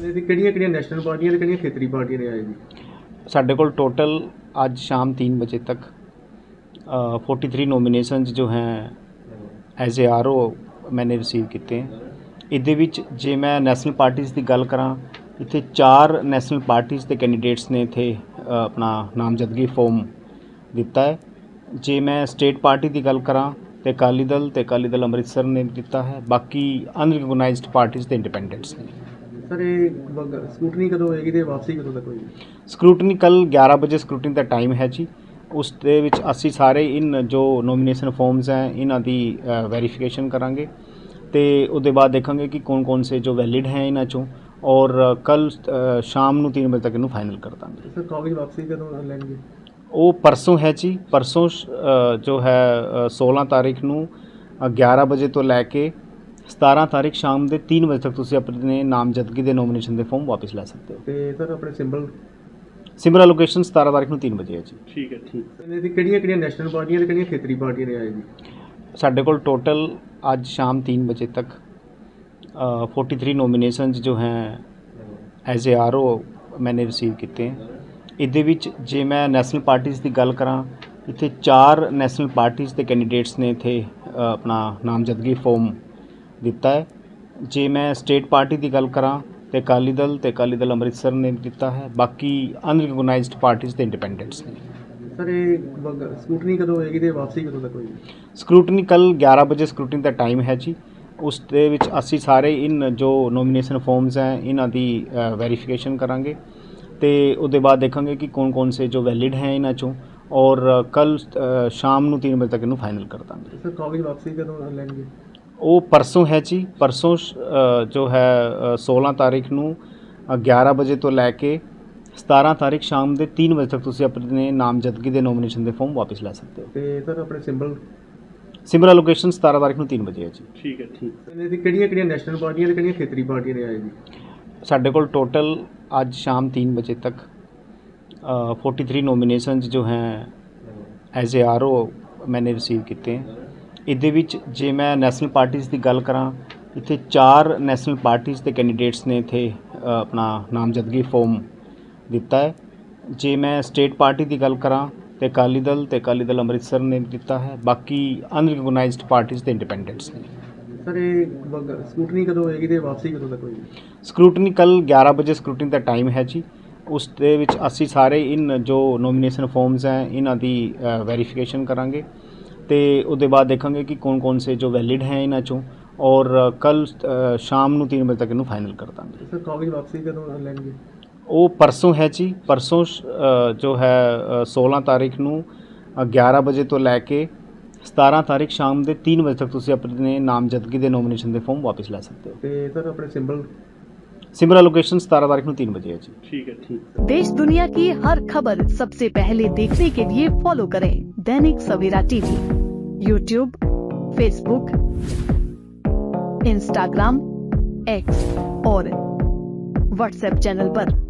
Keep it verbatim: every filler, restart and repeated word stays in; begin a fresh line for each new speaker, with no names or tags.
ਇਹਦੀ ਕਿਹੜੀਆਂ ਕਿਹੜੀਆਂ ਨੈਸ਼ਨਲ ਪਾਰਟੀਆਂ ਤੇ ਕਿਹੜੀਆਂ ਖੇਤਰੀ ਪਾਰਟੀਆਂ ਨੇ ਆਏ ਜੀ?
ਸਾਡੇ ਕੋਲ ਟੋਟਲ ਅੱਜ शाम तीन बजे तक फोर्टी थ्री नोमीनेशनस जो हैं एज ए आर ओ मैंने रिसीव किए हैं। ਇਹਦੇ ਵਿੱਚ ਜੇ ਮੈਂ ਨੈਸ਼ਨਲ ਪਾਰਟੀਜ਼ ਦੀ ਗੱਲ ਕਰਾਂ, ਇੱਥੇ ਚਾਰ ਨੈਸ਼ਨਲ ਪਾਰਟੀਜ਼ ਦੇ ਕੈਂਡੀਡੇਟਸ ਨੇ ਇੱਥੇ ਆਪਣਾ ਨਾਮਜ਼ਦਗੀ ਫਾਰਮ ਦਿੱਤਾ ਹੈ। ਜੇ ਮੈਂ ਸਟੇਟ ਪਾਰਟੀ ਦੀ ਗੱਲ ਕਰਾਂ ਤੇ ਅਕਾਲੀ ਦਲ ਤੇ ਅਕਾਲੀ ਦਲ ਅੰਮ੍ਰਿਤਸਰ ਨੇ ਦਿੱਤਾ ਹੈ। ਬਾਕੀ ਅਨਰਿਕਗਨਾਈਜ਼ਡ ਪਾਰਟੀਜ਼ ਤੇ ਇੰਡੀਪੈਂਡੈਂਟਸ ਨੇ।
ਸਰ ਇਹ ਸਕੂਟਨੀ ਕਦੋਂ ਹੋਏਗੀ ਤੇ ਵਾਪਸੀ ਕਦੋਂ ਤੱਕ ਹੋਏਗੀ?
ਸਕਰੂਟਨੀ ਕੱਲ੍ਹ ਗਿਆਰਾਂ ਵਜੇ ਸਕਰੂਟਨੀ ਦਾ ਟਾਈਮ ਹੈ ਜੀ। ਉਸ ਦੇ ਵਿੱਚ ਅਸੀਂ ਸਾਰੇ ਇਨ ਜੋ ਨੋਮੀਨੇਸ਼ਨ ਫਾਰਮਸ ਹੈ ਇਹਨਾਂ ਦੀ ਵੈਰੀਫਿਕੇਸ਼ਨ ਕਰਾਂਗੇ ਤੇ ਉਹਦੇ ਬਾਅਦ ਦੇਖਾਂਗੇ ਕਿ ਕੌਣ ਕੌਣ ਸੇ ਜੋ ਵੈਲਿਡ ਹੈ ਇਹਨਾਂ ਚੋਂ, ਔਰ ਕੱਲ ਸ਼ਾਮ ਨੂੰ तीन ਵਜੇ ਤੱਕ ਇਹਨੂੰ ਫਾਈਨਲ ਕਰ ਦਾਂਗੇ।
ਸਰ ਕਾਗਜ਼ ਵਾਪਸੀ ਕਦੋਂ ਲੈਣਗੇ?
ਉਹ ਪਰਸੋਂ ਹੈ ਜੀ। ਪਰਸੋਂ ਜੋ ਹੈ सोलह ਤਾਰੀਖ ਨੂੰ ਗਿਆਰਾਂ ਵਜੇ ਤੋਂ ਲੈ ਕੇ सतारह ਤਾਰੀਖ ਸ਼ਾਮ ਦੇ तीन ਵਜੇ ਤੱਕ ਤੁਸੀਂ ਆਪਣੇ ਨਾਮਜ਼ਦਗੀ ਦੇ ਨੋਮੀਨੇਸ਼ਨ ਦੇ ਫਾਰਮ ਵਾਪਸ ਲੈ ਸਕਦੇ ਹੋ।
ਤੇ ਸਰ ਆਪਣੇ ਸਿੰਬਲ
ਸਿਮਰਾ ਲੋਕੇਸ਼ਨ सतारह ਤਾਰੀਖ ਨੂੰ तीन ਵਜੇ ਹੈ ਜੀ।
ਠੀਕ ਹੈ ਠੀਕ। ਇਹਦੀ ਕਿਹੜੀਆਂ ਕਿਹੜੀਆਂ ਨੈਸ਼ਨਲ ਪਾਰਟੀਆਂ ਤੇ ਕਿਹੜੀਆਂ ਖੇਤਰੀ ਪਾਰਟੀਆਂ ਨੇ ਆਏ ਜੀ? ਸਾਡੇ
ਕੋਲ टोटल आज शाम तीन बजे तक फोर्टी थ्री नोमीनेशनस जो हैं एज ए आर ओ मैंने रिसीव किए हैं। ਇਹਦੇ ਵਿੱਚ ਜੇ ਮੈਂ ਨੈਸ਼ਨਲ ਪਾਰਟੀਜ਼ ਦੀ ਗੱਲ ਕਰਾਂ, ਇੱਥੇ ਚਾਰ ਨੈਸ਼ਨਲ ਪਾਰਟੀਜ਼ ਦੇ ਕੈਂਡੀਡੇਟਸ ਨੇ ਇੱਥੇ ਆਪਣਾ ਨਾਮਜ਼ਦਗੀ ਫਾਰਮ ਦਿੱਤਾ ਹੈ। ਜੇ ਮੈਂ ਸਟੇਟ ਪਾਰਟੀ ਦੀ ਗੱਲ ਕਰਾਂ ਤੇ ਅਕਾਲੀ ਦਲ ਤੇ ਅਕਾਲੀ ਦਲ ਅੰਮ੍ਰਿਤਸਰ ਨੇ ਦਿੱਤਾ ਹੈ। ਬਾਕੀ ਅਨਰਿਕਗਨਾਈਜ਼ਡ ਪਾਰਟੀਜ਼ ਤੇ ਇੰਡੀਪੈਂਡੈਂਟਸ ਨੇ।
ਸਰ ਇਹ ਸਕੂਟਨੀ ਕਦੋਂ ਹੋਏਗੀ ਤੇ ਵਾਪਸੀ ਕਦੋਂ ਤੱਕ ਹੋਏਗੀ?
ਸਕਰੂਟਨੀ ਕੱਲ੍ਹ ਗਿਆਰਾਂ ਵਜੇ ਸਕਰੂਟਨੀ ਦਾ ਟਾਈਮ ਹੈ ਜੀ। ਉਸ ਦੇ ਵਿੱਚ ਅਸੀਂ ਸਾਰੇ ਇਨ ਜੋ ਨੋਮੀਨੇਸ਼ਨ ਫਾਰਮਸ ਹੈ ਇਹਨਾਂ ਦੀ ਵੈਰੀਫਿਕੇਸ਼ਨ ਕਰਾਂਗੇ ਤੇ ਉਹਦੇ ਬਾਅਦ ਦੇਖਾਂਗੇ ਕਿ ਕੌਣ ਕੌਣ ਸੇ ਜੋ ਵੈਲਿਡ ਹੈ ਇਹਨਾਂ ਚੋਂ, ਔਰ ਕੱਲ ਸ਼ਾਮ ਨੂੰ तीन ਵਜੇ ਤੱਕ ਇਹਨੂੰ ਫਾਈਨਲ ਕਰ ਦਾਂਗੇ।
ਸਰ ਕਾਗਜ਼ ਵਾਪਸੀ ਕਦੋਂ ਲੈਣਗੇ?
ਉਹ ਪਰਸੋਂ ਹੈ ਜੀ। ਪਰਸੋਂ ਜੋ ਹੈ सोलह ਤਾਰੀਖ ਨੂੰ ਗਿਆਰਾਂ ਵਜੇ ਤੋਂ ਲੈ ਕੇ सतारह ਤਾਰੀਖ ਸ਼ਾਮ ਦੇ तीन ਵਜੇ ਤੱਕ ਤੁਸੀਂ ਆਪਣੇ ਨਾਮਜ਼ਦਗੀ ਦੇ ਨੋਮੀਨੇਸ਼ਨ ਦੇ ਫਾਰਮ ਵਾਪਸ ਲੈ ਸਕਦੇ ਹੋ।
ਤੇ ਸਰ ਆਪਣੇ ਸਿੰਬਲ
ਸਿਮਰਾ ਲੋਕੇਸ਼ਨ सतारह ਤਾਰੀਖ ਨੂੰ तीन ਵਜੇ ਹੈ ਜੀ।
ਠੀਕ ਹੈ ਠੀਕ। ਇਹਦੀ ਕਿਹੜੀਆਂ ਕਿਹੜੀਆਂ ਨੈਸ਼ਨਲ ਪਾਰਟੀਆਂ ਤੇ ਕਿਹੜੀਆਂ ਖੇਤਰੀ ਪਾਰਟੀਆਂ ਨੇ ਆਏ ਜੀ? ਸਾਡੇ
ਕੋਲ टोटल आज शाम तीन बजे तक फोर्टी थ्री नोमीनेशनस जो हैं एज ए आर ओ मैंने रिसीव किए हैं। ਇਹਦੇ ਵਿੱਚ ਜੇ ਮੈਂ ਨੈਸ਼ਨਲ ਪਾਰਟੀਜ਼ ਦੀ ਗੱਲ ਕਰਾਂ, ਇੱਥੇ ਚਾਰ ਨੈਸ਼ਨਲ ਪਾਰਟੀਜ਼ ਦੇ ਕੈਂਡੀਡੇਟਸ ਨੇ ਇੱਥੇ ਆਪਣਾ ਨਾਮਜ਼ਦਗੀ ਫਾਰਮ ਦਿੱਤਾ ਹੈ। ਜੇ ਮੈਂ ਸਟੇਟ ਪਾਰਟੀ ਦੀ ਗੱਲ ਕਰਾਂ ਤੇ ਅਕਾਲੀ ਦਲ ਤੇ ਅਕਾਲੀ ਦਲ ਅੰਮ੍ਰਿਤਸਰ ਨੇ ਦਿੱਤਾ ਹੈ। ਬਾਕੀ ਅਨਰਿਕਗਨਾਈਜ਼ਡ ਪਾਰਟੀਜ਼ ਤੇ ਇੰਡੀਪੈਂਡੈਂਟਸ ਨੇ।
ਸਰ ਇਹ ਸਕੂਟਨੀ ਕਦੋਂ ਹੋਏਗੀ ਤੇ ਵਾਪਸੀ ਕਦੋਂ ਤੱਕ ਹੋਏਗੀ?
ਸਕਰੂਟਨੀ ਕੱਲ੍ਹ ਗਿਆਰਾਂ ਵਜੇ ਸਕਰੂਟਨੀ ਦਾ ਟਾਈਮ ਹੈ ਜੀ। ਉਸ ਦੇ ਵਿੱਚ ਅਸੀਂ ਸਾਰੇ ਇਨ ਜੋ ਨੋਮੀਨੇਸ਼ਨ ਫਾਰਮਸ ਹੈ ਇਹਨਾਂ ਦੀ ਵੈਰੀਫਿਕੇਸ਼ਨ ਕਰਾਂਗੇ ਤੇ ਉਹਦੇ ਬਾਅਦ ਦੇਖਾਂਗੇ ਕਿ ਕੌਣ ਕੌਣ ਸੇ ਜੋ ਵੈਲਿਡ ਹੈ ਇਹਨਾਂ ਚੋਂ, ਔਰ ਕੱਲ ਸ਼ਾਮ ਨੂੰ तीन ਵਜੇ ਤੱਕ ਇਹਨੂੰ ਫਾਈਨਲ ਕਰ ਦਾਂਗੇ।
ਸਰ ਕਾਗਜ਼ ਵਾਪਸੀ ਕਦੋਂ ਲੈਣਗੇ?
ਉਹ ਪਰਸੋਂ ਹੈ ਜੀ। ਪਰਸੋਂ ਜੋ ਹੈ सोलह ਤਾਰੀਖ ਨੂੰ ਗਿਆਰਾਂ ਵਜੇ ਤੋਂ ਲੈ ਕੇ सतारह ਤਾਰੀਖ ਸ਼ਾਮ ਦੇ तीन ਵਜੇ ਤੱਕ ਤੁਸੀਂ ਆਪਣੇ ਨਾਮਜ਼ਦਗੀ ਦੇ ਨੋਮੀਨੇਸ਼ਨ ਦੇ ਫਾਰਮ ਵਾਪਸ ਲੈ ਸਕਦੇ ਹੋ।
ਤੇ ਸਰ ਆਪਣੇ ਸਿੰਬਲ
सिमरा लोकेशन सतारह तारीख ਨੂੰ तीन बजे है जी।
ठीक है ठीक।
देश दुनिया की हर खबर सबसे पहले देखने के लिए फॉलो करें Dainik Savera TV, YouTube, Facebook, Instagram, X और व्हाट्सएप चैनल पर।